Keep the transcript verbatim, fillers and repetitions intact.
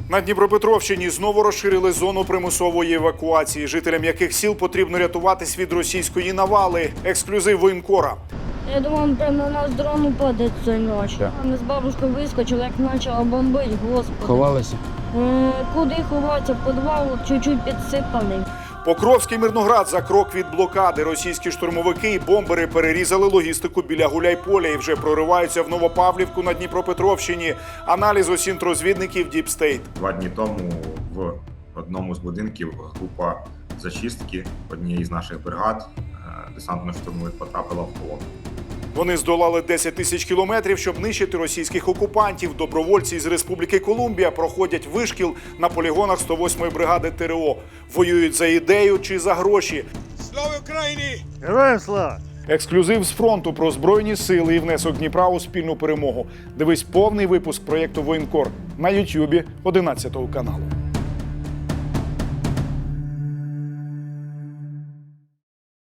На Дніпропетровщині знову розширили зону примусової евакуації, жителям яких сіл потрібно рятуватись від російської навали. Ексклюзив воєнкора. Я думав, прямо на нас дрон упаде цієї ночі. Да. Ми з бабушкою вискочили, як почало бомбити, господи. Ховалися? Е, Куди ховатися? Підвал чуть-чуть підсипаний. Покровський Мирноград за крок від блокади. Російські штурмовики і бомбери перерізали логістику біля Гуляйполя і вже прориваються в Новопавлівку на Дніпропетровщині. Аналіз осінтрозвідників Deep State. Два дні тому в одному з будинків група зачистки однієї з наших бригад десантно-штурмових потрапила в полон. Вони здолали десять тисяч кілометрів, щоб нищити російських окупантів. Добровольці з Республіки Колумбія проходять вишкіл на полігонах сто восьмої бригади ТРО. Воюють за ідею чи за гроші. Слава Україні! Героям слава! Ексклюзив з фронту про Збройні сили і внесок Дніпра у спільну перемогу. Дивись повний випуск проєкту «Воєнкор» на Ютубі одинадцятого каналу.